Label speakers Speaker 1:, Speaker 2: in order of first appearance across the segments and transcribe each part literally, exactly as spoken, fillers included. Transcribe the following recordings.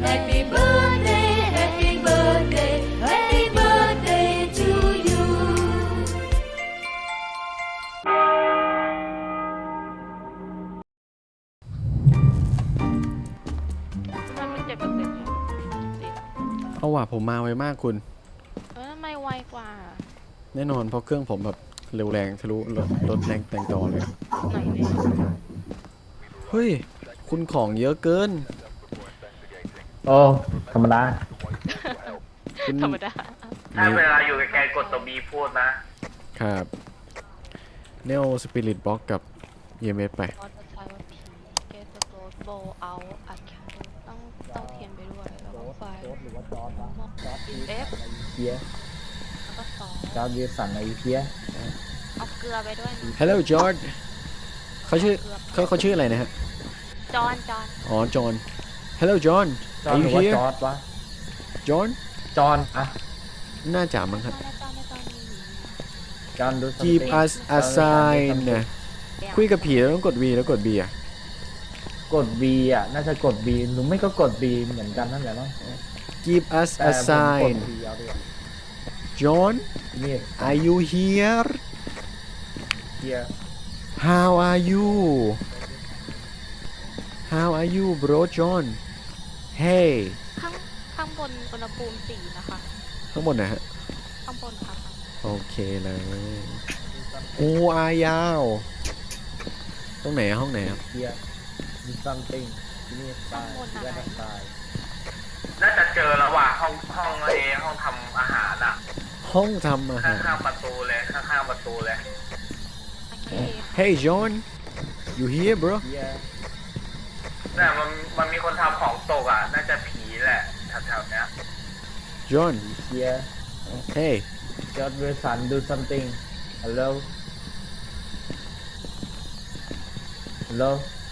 Speaker 1: Happy birthday Happy birthday Happy birthday to you
Speaker 2: มันเป็นเจ็ดเปอร์เซ็นต์เนี่ย
Speaker 3: เอาว่ะผมมาไวมากคุณ
Speaker 2: เออทำไมไวกว่า
Speaker 3: แน่นอนเพราะเครื่องผมแบบเร็วแรงทะลุรถรถแรงแตงต่อเลย
Speaker 2: ไหนเนี่ย
Speaker 3: เฮ้ยคุณของเยอะเกิน
Speaker 4: โอ้ธรรมดา
Speaker 3: คุณ
Speaker 2: ธรรมดา
Speaker 5: ถ้าเวลาอยู่ใกล้ๆกดตัวบีพูดนะครับ
Speaker 3: เนโอสปิริตบล็อกกับ อี เอ็ม เอส ไป
Speaker 2: ก็จะใช้ว่าผีเกตโกดโบเอาอัดแคปต้องต้องเทียนไปด้วยแล้วก็ไฟอินเอฟ
Speaker 4: เพีย
Speaker 2: แล้วก็ซอส
Speaker 4: จอร์ดวิลสันไอเพีย
Speaker 2: เอาเกลือไปด้วยนะ
Speaker 3: Hello George เขาชื่อเขาเขาชื่ออะไรนะฮะ
Speaker 2: จอนจอน
Speaker 3: อ๋อจอห์น Hello John
Speaker 4: จอร์
Speaker 3: Are
Speaker 4: ดห
Speaker 3: you
Speaker 4: รือว่า
Speaker 3: here
Speaker 4: จอร์ดวะ
Speaker 3: John
Speaker 4: จอห์นอะ
Speaker 3: น่าจะมั้ง
Speaker 2: จ
Speaker 3: ค
Speaker 2: อ
Speaker 3: รับ
Speaker 2: นจอนจอนนี่
Speaker 4: จอห์นดู
Speaker 3: Give us a sign นะคุยกับผีแล้วต้องกด V แล้วกด B อ่ะ
Speaker 4: กด V อ่ะน่าจะกด V หรือไม่ก็กด B เหมือนกันนั่นแหละมั้ง
Speaker 3: Give us
Speaker 4: แต่
Speaker 3: a
Speaker 4: ผมกด
Speaker 3: sign
Speaker 4: V เอาดีกว่า
Speaker 3: John
Speaker 4: นี่
Speaker 3: Are you here
Speaker 4: เพีย
Speaker 3: How are you How are you bro John Hey
Speaker 2: ข้างข้างบนอุณหภูมิสี่นะคะ
Speaker 3: ข้างบนนะฮะ
Speaker 2: ข้างบนค่ะ
Speaker 3: โอเคเลยโอ้อายาว ตรงไหนอะห้องไหนครับ
Speaker 4: เพีย do something ที่นี่ตายที่แรกตาย
Speaker 5: น่าจะเจอแล้วว่ะห้องห้องเอห้องทำอาหารอ่ะ
Speaker 3: ห้องทำอาหาร
Speaker 5: ข้างๆประตูเลยข้างๆประตูเลย
Speaker 2: โอเค
Speaker 3: Hey John you here bro
Speaker 4: เพีย
Speaker 5: น่ะมันมันมีคนทำของตกอ่ะ น่าจะผีแหละแถวๆเนี้ย
Speaker 3: John
Speaker 4: เพีย
Speaker 3: Hey
Speaker 4: จอร์ดวิลสัน do something hello hello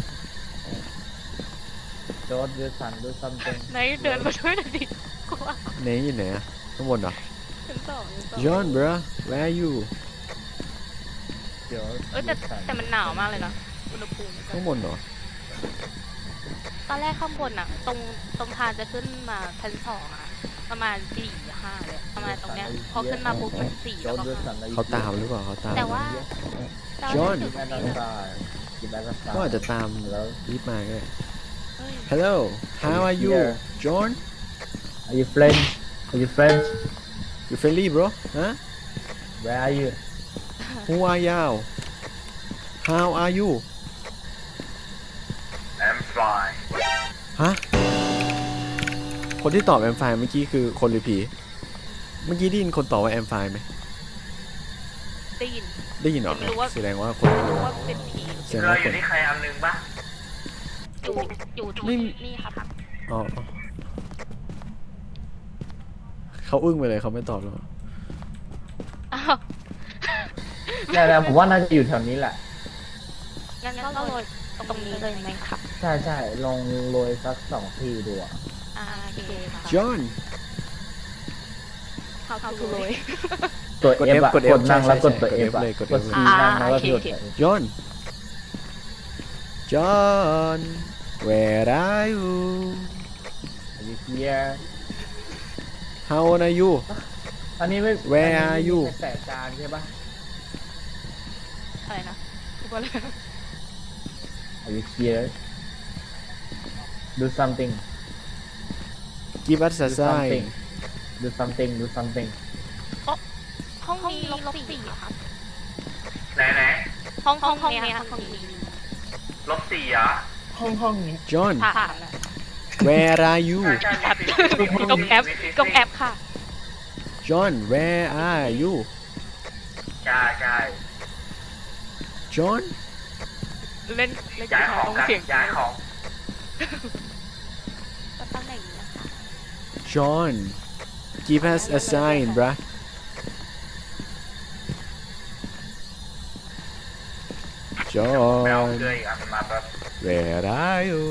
Speaker 4: จอร์ดวิลสัน do something
Speaker 2: ไหนเดินมาด้วยหน่อยดิกลัว
Speaker 3: ไหนอยู่ไหนอะข้างบนเหรอ
Speaker 2: ชั้นสองชั้นสอง
Speaker 3: John bro where are you
Speaker 4: จอร์ด
Speaker 2: เออแต่แต่มันหนาวมากเลยนะอุณหภูมิ
Speaker 3: ข้างบนเหรอ
Speaker 2: ตอนแรกข้างบนอะตรงตรงทางจะขึ้นมาชั้นสองอะประมาณสี่ห้าเลยประมาณตรงเนี้ยพอขึ้นมาปุ๊บมันสี่
Speaker 4: จ
Speaker 2: แล้
Speaker 4: อ
Speaker 2: ว
Speaker 4: ร์ด
Speaker 2: ก็
Speaker 4: วิลสั
Speaker 2: ห้าน
Speaker 3: เขาตามหรือเปล่าเขาตาม
Speaker 2: แต่ว่าแต่ว่า
Speaker 3: John
Speaker 2: จุด
Speaker 4: แอด
Speaker 2: นี้
Speaker 4: อั
Speaker 2: นะ
Speaker 4: สายกินแอดอัสาย
Speaker 3: ก็อาจจะตาม
Speaker 4: แล้ว
Speaker 3: รีบมาก็ได้
Speaker 2: เฮ้ย
Speaker 3: Hello how are you
Speaker 4: Here.
Speaker 3: John
Speaker 4: Are you French Are you French
Speaker 3: you friendly bro ฮะ
Speaker 4: Where are you
Speaker 3: Who are you How are you
Speaker 5: I'm fine
Speaker 3: ฮะ คนที่ตอบแอมไฟเมื่อกี้คือคนหรือผี เมื่อกี้ได้ยินคนตอบว่าแอมไฟไหม
Speaker 2: ได้ยิน
Speaker 3: ได้ยินเหรอ
Speaker 2: ไม่รู้ว่า
Speaker 3: แสดงว่าคน
Speaker 2: ไม่รู้ว่าเป็นผี
Speaker 3: แสดง
Speaker 5: เรา
Speaker 3: ว่า
Speaker 5: อ
Speaker 3: ค
Speaker 5: ยู่
Speaker 3: น
Speaker 5: ที่ใครอันนึงปะ
Speaker 2: อยู่อยู่
Speaker 3: ไม่
Speaker 2: ที่นี่ครับ
Speaker 3: อ๋ออ๋อเขาอึ้งไปเลยเขาไม่ตอบหรอก
Speaker 2: อ้าว
Speaker 4: เนี่ยนะผมว่าน่าจะอยู่แถวนี้แหละ
Speaker 2: งั้นก็โรยตรงนี้เลยไหมครับ
Speaker 4: ใช่ใช่ลองโรยสักสองทีดูอ่ะ
Speaker 2: อ่าโอเคค่ะ
Speaker 3: John
Speaker 2: how to โรย
Speaker 4: ตัว
Speaker 3: กด
Speaker 4: F
Speaker 3: F
Speaker 4: อะ
Speaker 3: กด F
Speaker 4: กดนั่ง
Speaker 3: ใช่
Speaker 4: แล้วกด
Speaker 3: ใช่
Speaker 4: ตัว
Speaker 3: กด
Speaker 4: F
Speaker 3: F
Speaker 4: อะ
Speaker 3: เลยกด
Speaker 4: กด
Speaker 3: F
Speaker 4: ซี
Speaker 2: อ่า
Speaker 4: นั่งแล้วก็
Speaker 2: โอเค
Speaker 4: หยุด
Speaker 2: โอเค
Speaker 3: John John where are you
Speaker 4: Are you here
Speaker 3: How old are you
Speaker 4: อันนี้ไม่
Speaker 3: Where
Speaker 4: อัน
Speaker 3: are
Speaker 4: นี้
Speaker 3: you
Speaker 4: ไม่ใช่แปะจานใช่ปะ
Speaker 2: อะไรนะพูดว่าอะไร
Speaker 4: Are you here Do something
Speaker 3: Give us a
Speaker 4: Do
Speaker 3: sign
Speaker 4: something Do something Do something
Speaker 2: ห้องนี้ลบสี่ครับ
Speaker 5: ไหนไหน
Speaker 2: ห้องห้องห้องเนี้ยห้องนี้
Speaker 5: ๆลบสี่เหรอ
Speaker 4: ห้องห้องนี้
Speaker 3: John
Speaker 2: ผ่านอะ
Speaker 3: where are you
Speaker 5: ใช่ใช่
Speaker 2: แอป
Speaker 5: มีฟิสิกส์
Speaker 2: กงแอปกงแอปค่ะ
Speaker 3: John where are you
Speaker 5: ใช่ใช่
Speaker 3: John
Speaker 2: เล่นเล่นกี
Speaker 5: ย้าย
Speaker 2: ตา
Speaker 5: ข
Speaker 2: ร์
Speaker 5: อง
Speaker 2: ต้อง
Speaker 5: กัน
Speaker 2: เสียง
Speaker 5: ย้ายของ
Speaker 2: ก็ตั้งอย่างนี้นะคะ
Speaker 3: John give us a sign bruh
Speaker 5: แมว
Speaker 3: John
Speaker 5: เกลืออีกอันมาแบบ
Speaker 3: where are you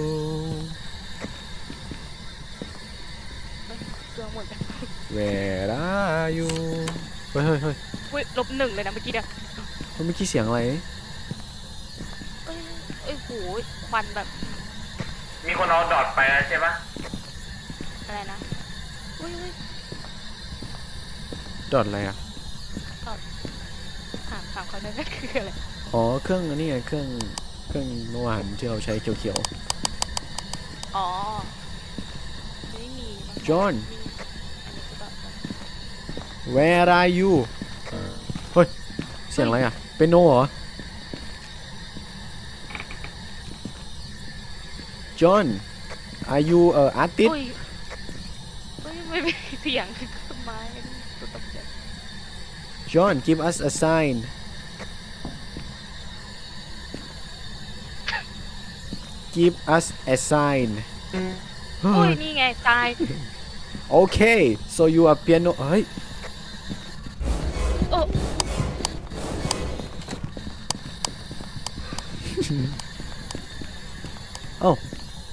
Speaker 2: เครื่องหมดเลย
Speaker 3: where are you เฮ้ยเฮ้ยเฮ้ย
Speaker 2: อุ้ยลบหนึ่งเลยนะเมื่อกี้เนี่ย
Speaker 3: เมื่อกี้เสียงอะไร
Speaker 2: เอ้ยเอ้ยโหควันแบบ
Speaker 5: มีคนเอาดอทไปแล้วใช่ปะ
Speaker 2: อะไรนะอุ้ยอุ้ย
Speaker 3: ดอทอะไรอ่ะ
Speaker 2: ถามถามเขาได้ไหมคืออะไร
Speaker 3: อ๋อเครื่องอันนี้ไงเครื่องเครื่องเมื่อวานที่เราใช้เขียว
Speaker 2: อ๋อไม่มีมั้ง
Speaker 3: ๆ John
Speaker 2: มีอันนี้คือแบบ
Speaker 3: where are you เฮ้ยเสียงอะไรอ่ะเป็นโนเหรอ John are you a artist
Speaker 2: อุ้ยอุ้ยไม่มีเสียงต้นไม้ตัวตกใจ
Speaker 3: John give us a sign give us a sign
Speaker 2: อุ้ยนี่ไงตาย
Speaker 3: โอเค so you are piano เฮ้ย
Speaker 2: โอ้
Speaker 3: เอ้า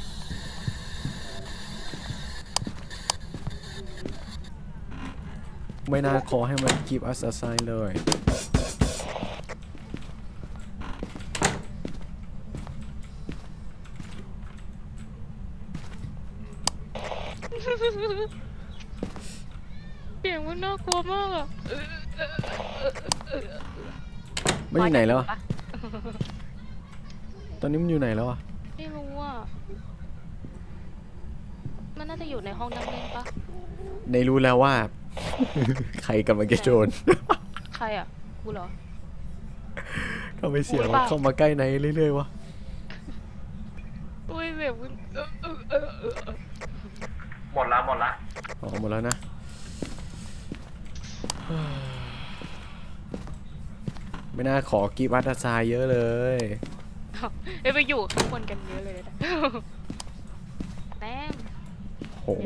Speaker 3: ไม่น่าขอให้มัน give us a sign เลย
Speaker 2: เสียงมันน่ากลัวมากอ่ะ
Speaker 3: มันอยู่ไหนแล้วอะตอนนี้มันอยู่ไหนแล้วอะ
Speaker 2: ไม่รู้อ่ะมันน่าจะอยู่ในห้องนั่งเล่นปะ
Speaker 3: ในรู้แล้วว่า ใครกำลังจะโจร
Speaker 2: ใครอ่ะกูเหรอ
Speaker 3: ทำไมเสียง
Speaker 2: โอ้ย
Speaker 3: มัน
Speaker 2: บ้า
Speaker 3: เข้ามาใกล้ในเรื่อยๆวะ
Speaker 2: อุ้ยเสียงมันเออเออเออเออ
Speaker 5: หมดละหมดละ
Speaker 3: อ๋อหมดแล้วนะ ไม่น่าขอกีบัตอาซายเยอะเลย
Speaker 2: เอ้ยไปอยู่ข้างบนกันเยอะเลยนะแต้ม
Speaker 3: โห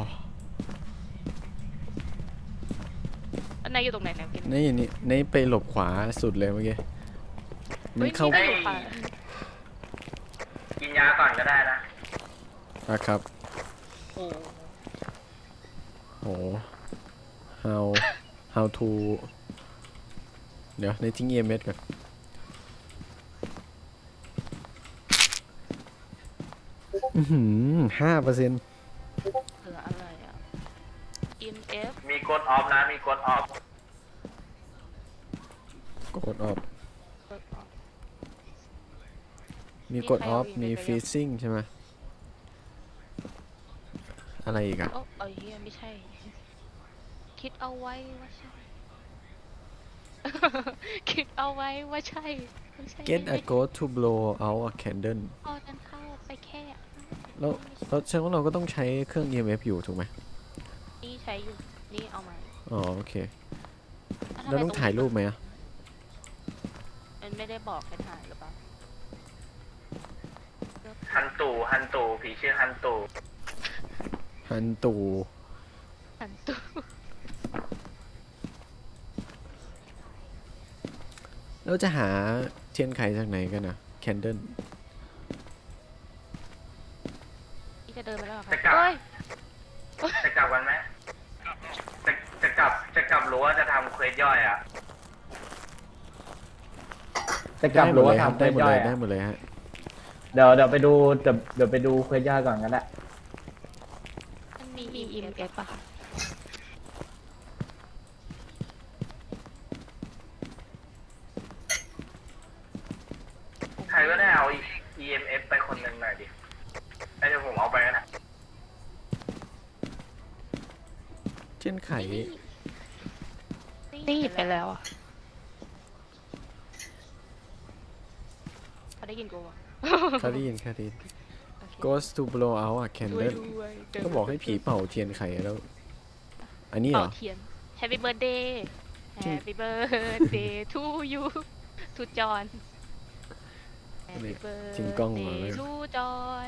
Speaker 2: อันไหนอยู่ตรงไหนเนี่ยกิน
Speaker 3: นี่นี่นี่ไปหลบขวาสุดเลยเมื่อกี้ มันเข้า
Speaker 2: ฮ้ยอยู่ค่ะ
Speaker 5: กินยาก่อนก็ได้นะ
Speaker 3: อะครับ
Speaker 2: โอ้
Speaker 3: โห how how to เดี๋ยวในทิ้ง อี เอ็ม เอส ก่อนอือหือห้าเปอร์เซ็นต์
Speaker 2: เหลืออะไรอ่ะ อี เอ็ม เอฟ
Speaker 5: มีกดออฟนะมีกดออฟ
Speaker 3: กดออฟ มีกดออฟ มีฟีซิ่งใช่ไหม อะไรอีกอะ
Speaker 2: โอ้เอ้ยเหี้ยไม่ใช่ คิดเอาไว้ว่าใช่ คิดเอาไว้ว่าใช่ไม่ใช่
Speaker 3: get
Speaker 2: ไม่
Speaker 3: a ghost to blow out a candle
Speaker 2: เอานั้นเข้าไปแค่
Speaker 3: แล้วแล้วแสดงว่าเราก็ต้องใช้เครื่อง อี เอ็ม เอฟ อยู่ถูกไหม
Speaker 2: นี่ใช้อยู่ นี่เอามา
Speaker 3: อ๋อโอเค
Speaker 2: อ่ะทำ
Speaker 3: แล้ว
Speaker 2: ไม
Speaker 3: ต้องถ่ายรูปไหมอะ
Speaker 2: มันไม่ได้บอกให้ถ่ายหรือเปล่า
Speaker 5: ฮันตู่ฮันตู่ผีชื่อฮันตู่
Speaker 3: ฮันตู
Speaker 2: หันตู้
Speaker 3: แล้วจะหาเทียนไขจากไหนกันอะแคนเดิล
Speaker 2: นี่จะเดินไปแล้วเหรอคะ
Speaker 5: จะกลับ
Speaker 2: เฮ้ย
Speaker 5: จะกลับกันไหมจะจะกลับจะกลับหรือว่าจะทำเควสย่อยอ่ะ
Speaker 4: จะกลับหรือว่า
Speaker 3: ได้
Speaker 4: ทำ
Speaker 3: ได้หมด
Speaker 4: ย่
Speaker 3: เล
Speaker 4: อย
Speaker 3: ย
Speaker 4: ๆ
Speaker 3: ได้
Speaker 4: อะ
Speaker 3: หมดเลยฮะ
Speaker 4: เดี๋ยวเดี๋ยวไปดูเดี๋ยวเดี๋ยวไปดูเควสย่อยก่อนกันแหละ
Speaker 2: มันมี อี เอ็ม เอฟ ป่ะคะ
Speaker 5: ใครก็ได้เอา อี เอ็ม เอฟ ไปคนหนึ่งหน่อยดิไอ้เดี๋ยวผมเอาไปนะ
Speaker 3: เทียนไข
Speaker 2: นี่ไปแล้วอ่ะเขาได้ยินกูปะ
Speaker 3: คารีนคารีน
Speaker 2: โอเค
Speaker 3: ghost to blow out a
Speaker 2: ช่วย
Speaker 3: candle
Speaker 2: ด้วยเดิน
Speaker 3: ก็บอกให้ผีเป่าเทียนไขแล้ว อันนี้เหร
Speaker 2: เป่า
Speaker 3: อ
Speaker 2: เทียน Happy birthday Happy birthday to you to John
Speaker 3: นี่
Speaker 2: Happy
Speaker 3: ทิ้งกล้องมาเลย
Speaker 2: birthday to John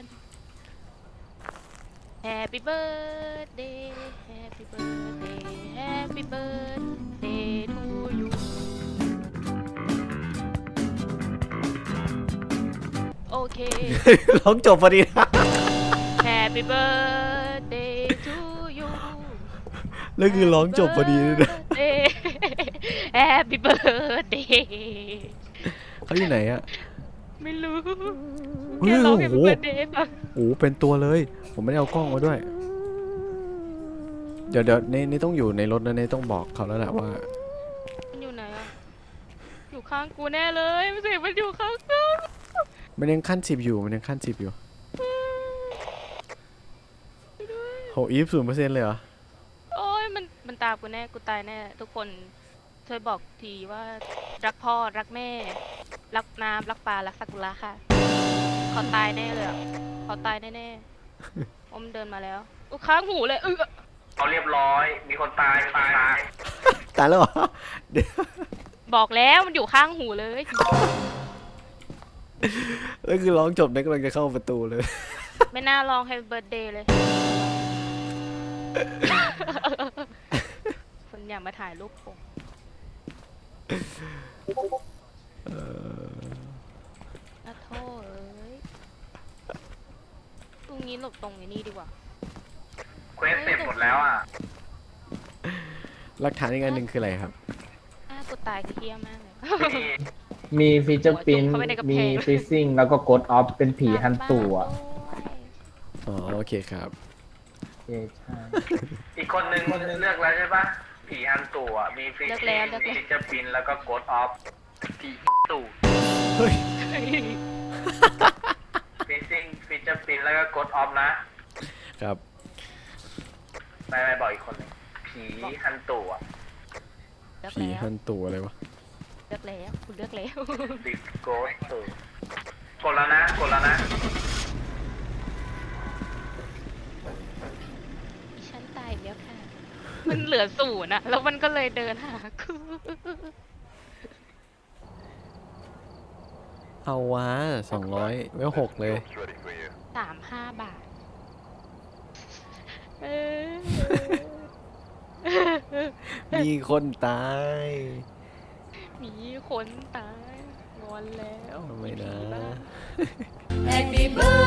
Speaker 2: Happy birthday Happy birthday Happy birthday to you โอเค
Speaker 3: ร้องจบพอดีนะ
Speaker 2: Happy birthday to you
Speaker 3: แล้วคือร้องจบพอดีเลยนะ
Speaker 2: Happy birthday
Speaker 3: เขาอยู่ไหนอะ
Speaker 2: ไม่รู้
Speaker 3: เฮ้ย
Speaker 2: แค่ร้อง
Speaker 3: โอ้
Speaker 2: Happy
Speaker 3: โห
Speaker 2: birthday ป่ะ
Speaker 3: โอ้โหเป็นตัวเลย ผมไม่ได้เอากล้องมาด้วยเดี๋ยวเดี๋ยวนี่นี่ต้องอยู่ในรถนะนี่ต้องบอกเขาแล้วแหละว่า
Speaker 2: มันอยู่ไหนอะอยู่ข้างกูแน่เลยมันเสียงมันอยู่ข้างกู
Speaker 3: มันยังขั้นสิบอยู่มันยังขั้นสิบอยู่โหอีฟศูนย์เปอร์เซ็นต์เลยเหรอ
Speaker 2: โอ้ยมันมันตามกูแน่กูตายแน่ทุกคนช่วยบอกทีว่ารักพ่อรักแม่ รักน้ำรักปลารักสักุระค่ะเขาตายแน่เลยอะเขาตายแน่ๆอมเดินมาแล้วกูค้างหูเลยเออ
Speaker 5: เอาเรียบร้อย มีคนตายตาย
Speaker 3: ตายแล้วเหรอเดี๋ยว
Speaker 2: บอกแล้วมันอยู่ข้างหูเลย
Speaker 3: แล้วคือร้องจบเนี่ยกำลังจะเข้าประตูเลย
Speaker 2: ไม่น่าลอง Happy Birthday เลย คนอยากมาถ่ายรูปผมอะโทษเอ้ยตรงนี้หลบตรงไอ้นี่ดีกว่า
Speaker 5: เควสเสร็จหมดแล้วอ่ะ
Speaker 3: หลักฐานอีกอันหนึ่งคืออะไรครับ
Speaker 2: อ้ากูตายคือเฮี้ยมากเลย
Speaker 5: มี
Speaker 4: มีฟีเจอร์ปิน
Speaker 2: เข้าไปในกระแพง
Speaker 4: มีฟิซซิ่งแล้วก็กดออฟเป็นผีฮันตัว
Speaker 3: อ๋อโอเคครับ
Speaker 4: เอ้ใช่
Speaker 5: อีกคนนึงเลือกแล้วใช่ปะผีฮันตู่อ่ะมีฟิช
Speaker 2: เลือก
Speaker 5: ชิ่
Speaker 2: แล้ว
Speaker 5: ง
Speaker 2: เลือกแล้ว
Speaker 5: มีฟิชเจอร์ปินแล้วก็โกดออฟผีตู่
Speaker 3: เฮ้ย
Speaker 5: ฟิชชิ่งฟิชเจอร์ปินแล้วก็โกดออฟนะครับ ไม่ไม่บอกอีกคนหนึงผีฮันตู่อ่ะ
Speaker 2: เลือก
Speaker 3: ผี
Speaker 2: แล้ว
Speaker 3: หันตัวอะไรวะ
Speaker 2: เลือกแล้วคุณเลือกแล้ว
Speaker 5: บิ๊กโกดตู่กดแล้วนะกดแล้วนะ
Speaker 2: ฉันตายแล้วค่ะ มันเหลือศูนย์อะแล้วมันก็เลยเดินหากู
Speaker 3: เอาวะสองร้อยเวลหกเลย
Speaker 2: สามห้าบาทเออ
Speaker 3: มีคนตาย
Speaker 2: มีคนตายงอนแล้ว
Speaker 3: ทำไมนะ
Speaker 2: ผีบ้า
Speaker 1: Happy birthday